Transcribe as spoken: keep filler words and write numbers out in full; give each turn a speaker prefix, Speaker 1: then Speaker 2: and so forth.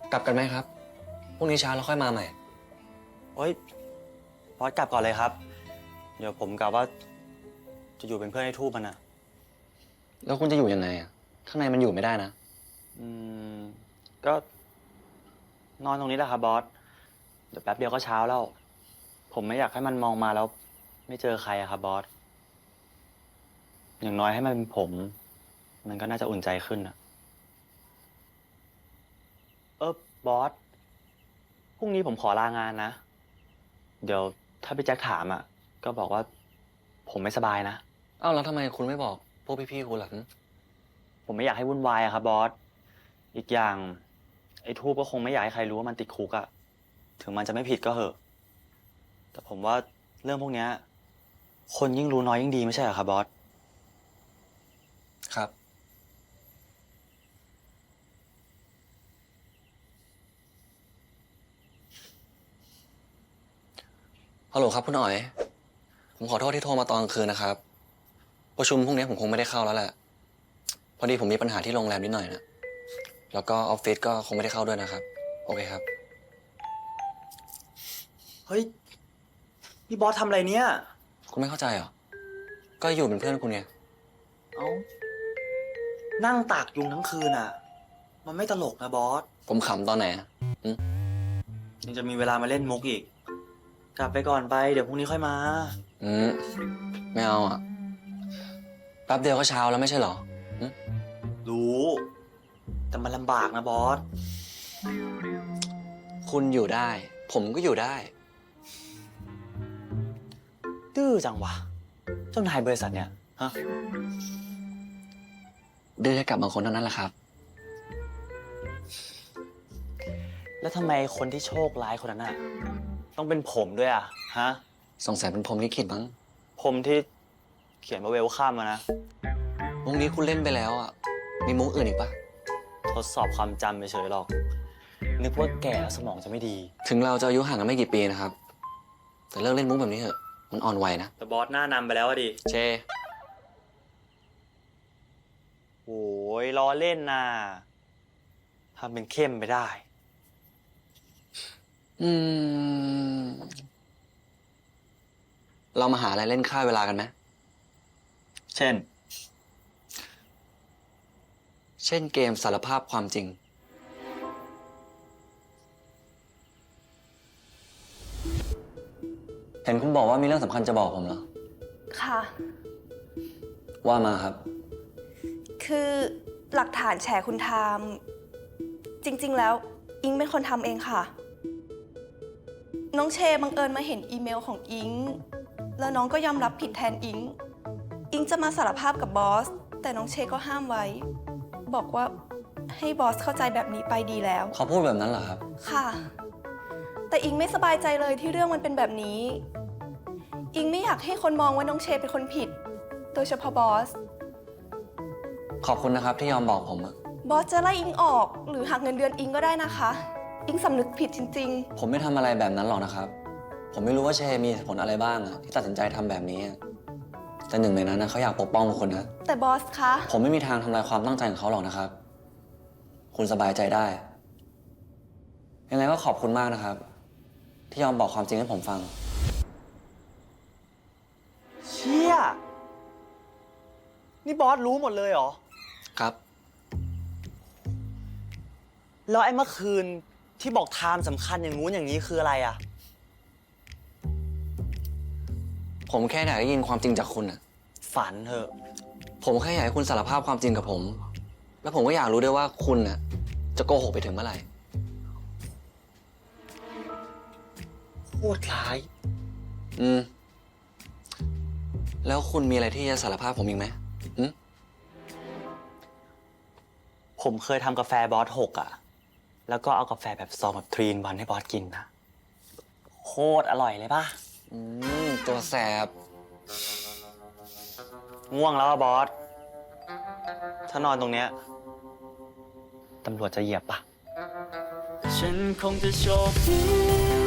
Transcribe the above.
Speaker 1: กลับกันไหมครับพรุ่งนี้เช้าเราค่อยมาใหม่
Speaker 2: โอ๊ยบอสกลับก่อนเลยครับเดี๋ยวผมกะว่าจะอยู่เป็นเพื่อนไอ้ทูบมันอะ
Speaker 1: แล้วคุณจะอยู่ยังไงอ่ะข้างในมันอยู่ไม่ได้นะ
Speaker 2: อืมก็นอนตรงนี้แหละครับบอสเดี๋ยวแป๊บเดียวก็เช้าแล้วผมไม่อยากให้มันมองมาแล้วไม่เจอใครอะครับบอสอย่างน้อยให้มันเป็นผมมันก็น่าจะอุ่นใจขึ้นอะเออบอสพรุ่งนี้ผมขอลางานนะเดี๋ยวถ้าพี่แจ็คถามอ่ะก็บอกว่าผมไม่สบายนะ
Speaker 1: เอ้าแล้วทำไมคุณไม่บอกพวกพี่ๆคุณล่ะ
Speaker 2: ผมไม่อยากให้วุ่นวายอะครับบอสอีกอย่างไอ้ทูบก็คงไม่อยากให้ใครรู้ว่ามันติดคุกอะถึงมันจะไม่ผิดก็เหอะแต่ผมว่าเรื่องพวกเนี้ยคนยิ่งรู้น้อยยิ่งดีไม่ใช่เหรอครับบอส
Speaker 1: ครับฮัลโหลครับคุณอ๋อยผมขอโทษที่โทรมาตอนกลางคืนนะครับประชุมพรุ่งนี้ผมคงไม่ได้เข้าแล้วแหละพอดีผมมีปัญหาที่โรงแรมนิดหน่อยนะแล้วก็ออฟฟิศก็คงไม่ได้เข้าด้วยนะครับโอเคครับ
Speaker 2: เฮ้ยนี่บอสทำอะไรเนี่ย
Speaker 1: คุณไม่เข้าใจเหรอก็อยู่เป็นเพื่อนคุณไง
Speaker 2: เอ้านั่งตากยุงทั้งคืนอะมันไม่ตลกนะบอส
Speaker 1: ผมขำตอนไหนอะ
Speaker 2: ยังจะมีเวลามาเล่นมุกอีกกลับไปก่อนไปเดี๋ยวพรุ่งนี้ค่อยมา
Speaker 1: อืมไม่เอาอ่ะแป๊บเดียวก็เช้าแล้วไม่ใช่เหรอ
Speaker 2: รู้แต่มันลำบากนะบอส
Speaker 1: คุณอยู่ได้ ผมก็อยู่ได้
Speaker 2: ดื้อจังวะเจ้านายบริษัทเนี่ยฮะ
Speaker 1: ดื้อให้กับบางคนเท่านั้นแหละครับ
Speaker 2: แล้วทำไมคนที่โชคร้ายคนนั้นน่ะต้องเป็นผมด้วยอ่ะฮะ
Speaker 1: สงสัยเป็นพรหมลิขิตมั้ง
Speaker 2: ผมที่เขียนมาเวลข้ามมานะ
Speaker 1: มุกนี้คุณเล่นไปแล้วอ่ะมีมุกอื่นอีกปะ
Speaker 2: ทดสอบความจำไปเฉยหรอกนึกว่าแก่แล้วสมองจะไม่ดี
Speaker 1: ถึงเราจะอายุห่างกันไม่กี่ปีนะครับแต่เลิกเล่นมุกแบบนี้เถอะมันอ่อนวัยนะ
Speaker 2: แต่บอสหน้านำไปแล้วอะดิ
Speaker 1: เช
Speaker 2: โอ้ยล้อเล่นน่ะทำเป็นเข้มไปได้
Speaker 1: อืมเรามาหาอะไรเล่นฆ่าเวลากันไหม
Speaker 2: เช่น
Speaker 1: เช่นเกมสารภาพความจริงเห็นคุณบอกว่ามีเรื่องสำคัญจะบอกผมเหรอ
Speaker 3: ค่ะ
Speaker 1: ว่ามาครับ
Speaker 3: คือหลักฐานแฉคุณทามจริงๆแล้วอิงเป็นคนทำเองค่ะน้องเชบังเอิญมาเห็นอีเมลของอิงแล้วน้องก็ยอมรับผิดแทนอิงอิงจะมาสารภาพกับบอสแต่น้องเชก็ห้ามไว้บอกว่าให้บอสเข้าใจแบบนี้ไปดีแล้ว
Speaker 1: เขาพูดแบบนั้นเหรอครับ
Speaker 3: ค่ะแต่อิงไม่สบายใจเลยที่เรื่องมันเป็นแบบนี้อิงไม่อยากให้คนมองว่าน้องเชเป็นคนผิดโดยเฉพาะบอส
Speaker 1: ขอบคุณนะครับที่ยอมบอกผมอะ
Speaker 3: บอสจะไล่อิงออกหรือหักเงินเดือนอิงก็ได้นะคะอิงสำนึกผิดจริง
Speaker 1: ๆผมไม่ทำอะไรแบบนั้นหรอกนะครับผมไม่รู้ว่าเชมีเหตุผลอะไรบ้างอะที่ตัดสินใจทำแบบนี้แต่หนึ่งในนั้นนะเขาอยากปกป้องคนนะ
Speaker 3: แต่บอสคะ
Speaker 1: ผมไม่มีทางทำลายความตั้งใจของเขาหรอกนะครับคุณสบายใจได้ยังไงก็ขอบคุณมากนะครับที่ยอมบอกความจริงให้ผมฟัง
Speaker 2: เชี่ยนี่บอสรู้หมดเลยเหรอ
Speaker 1: ครับ
Speaker 2: แล้วไอ้เมื่อคืนที่บอกไทม์สำคัญอย่างงู้นอย่างนี้คืออะไรอ่ะ
Speaker 1: ผมแค่อยากได้ยินความจริงจากคุณอะ
Speaker 2: ฝันเถอะ
Speaker 1: ผมแค่อยากให้คุณสารภาพความจริงกับผมแล้วผมก็อยากรู้ด้วยว่าคุณน่ะจะโกหกไปถึงเมื่อไหร่
Speaker 2: โคตรร้าย
Speaker 1: อืมแล้วคุณมีอะไรที่จะสารภาพผมอีกไหมอืม
Speaker 2: ผมเคยทำกาแฟบอสหกอ่ะแล้วก็เอากาแฟแบบซองแบบทรีนวันให้บอสกินนะโคตรอร่อยเลยป่ะ
Speaker 1: อืมตัวแสบ
Speaker 2: ง่วงแล้วอะบอสถ้านอนตรงเนี้ยตำรวจจะเหยียบปะฉันคงจะโชคดี